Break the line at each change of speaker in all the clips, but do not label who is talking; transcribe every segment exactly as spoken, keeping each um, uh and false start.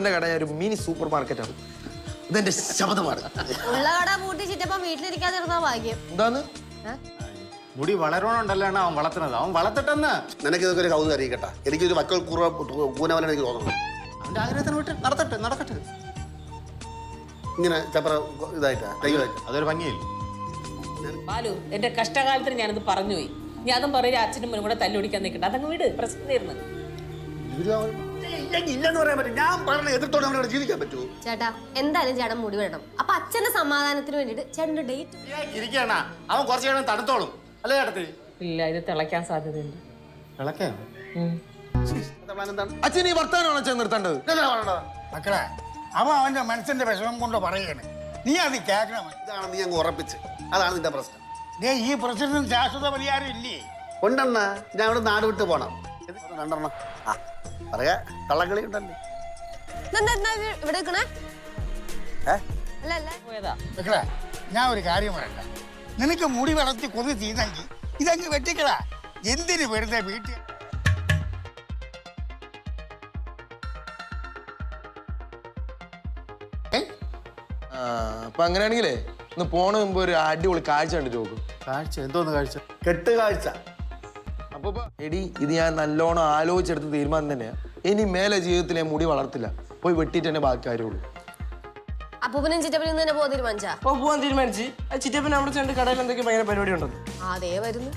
ചിറ്റപ്പന്റെ കട ഒരു mini super മാർക്കറ്റാണ്. ഇതെന്റെ ശബ്ദമാണ്.
ഉള്ള കട പൂട്ടി ചിറ്റപ്പൻ വീട്ടിലിരിക്കാതിരുന്ന ഭാഗ്യം.
എന്താന്ന്
മുടി വളരണോണ്ടല്ലോ അവൻ വളർത്തുന്നത്. അവൻ വളർത്തിട്ടെന്ന്.
നിനക്ക് ഇതൊക്കെ ഒരു കൗതുകം അറിയിക്കട്ടെ. എനിക്കൊരു വക്കൽ കൂനവനെ എനിക്ക് തോന്നുന്നു.
അവന്റെ ആഗ്രഹത്തിന് വിട്ട് നടത്തട്ടെ നടക്കട്ടെ.
ഇങ്ങനെ ചപ്പറ ഇതായിട്ടാ കൈകളായിട്ട്
അതൊരു ഭംഗിയില്ല.
ബാലു, എന്റെ കഷ്ടകാലത്തിന് ഞാനത് പറഞ്ഞുപോയി. ഞാൻ അതും പറയുക അച്ഛനും മുന്നും കൂടെ തല്ലുപിടിക്കാൻ നിൽക്കണ്ട. അതങ്ങ് വീട് പ്രശ്നം തീർന്നു.
ഇല്ലെന്ന് പറയാൻ പറ്റും. ഞാൻ പറഞ്ഞ എതിർത്തോടെ അവനോട് ജീവിക്കാൻ പറ്റുമോ?
ചേട്ടാ എന്തായാലും ചേട്ടൻ മുടി വേണം. അപ്പൊ അച്ഛന്റെ സമാധാനത്തിന് വേണ്ടിട്ട് ചേട്ടന്റെ ഡേറ്റ്
ഇരിക്കണ അവൻ കുറച്ച് കഴിയുമ്പോൾ തണുത്തോളും അല്ലേ ചേട്ടത്തി?
ഇല്ല, ഇത് തിളയ്ക്കാൻ സാധ്യതയുണ്ട്.
തിളക്കാ
അച്ഛൻ ഈ വർത്താനമാണ് അച്ഛൻ നിർത്തേണ്ടത്.
മക്കളെ, അവൻ അവന്റെ മനസ്സിന്റെ വിഷമം കൊണ്ട് പറയാണ്. നീ അത് കേൾക്കണം.
ഇതാണ് നീ അങ്ങ് ഉറപ്പിച്ച്. അതാണ് നിന്റെ പ്രശ്നം.
ദേ, ഈ പ്രശ്നത്തിന് ശാശ്വത പരിഹാരം ഇല്ലേ?
ഉണ്ടെണ്ണ ഞാൻ അവിടെ നാട് വിട്ട് പോണം. രണ്ടെണ്ണം ആ പറയാ കള്ളക്കളി ഉണ്ടല്ലേ.
ഇവിടെ നിൽക്കണേ
ഏ
അല്ല അല്ല
പോയതാ.
മക്കളെ, ഞാൻ ഒരു കാര്യം പറയണ്ട. നിനക്ക് മുടി വളർത്തി കൊതി ചെയ്തെങ്കിൽ ഇതങ്ങ് വെട്ടിക്കളാ. എന്തിന് വെറുതെ വീട്ടിൽ
അപ്പൊ അങ്ങനെയാണെങ്കിലേ ഇന്ന് പോണ മുമ്പ് ഒരു അടിപൊളി കാഴ്ച കണ്ടിട്ട് നോക്കും.
കാഴ്ച എന്തോന്ന് കാഴ്ച?
കെട്ട് കാഴ്ച.
അപ്പൊ എടി ഇത് ഞാൻ നല്ലോണം ആലോചിച്ചെടുത്ത തീരുമാനം തന്നെയാ. ഇനി മേലെ ജീവിതത്തിൽ ഞാൻ മുടി വളർത്തില്ല. പോയി വെട്ടിട്ട് തന്നെ ബാക്കി കാര്യമുള്ളൂ.
അപ്പൂപ്പനും ചിറ്റപ്പനും തന്നെ പോകാൻ തീരുമാനിച്ചാ?
അപ്പൊ പോവാൻ തീരുമാനിച്ച്. ചിറ്റപ്പൻ അവിടെ ചെണ്ട് കടയിൽ എന്തൊക്കെ ഭയങ്കര പരിപാടി ഉണ്ടെന്ന്.
അതേ വരുന്നു.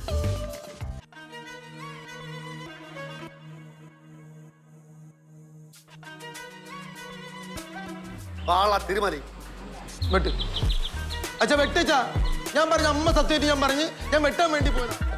ആളാ തീരുമാനി
വെട്ട് അച്ഛാ വെട്ടച്ചാ. ഞാൻ പറഞ്ഞ അമ്മ സത്യമായിട്ട് ഞാൻ പറഞ്ഞ് ഞാൻ വെട്ടാൻ വേണ്ടി പോയത്.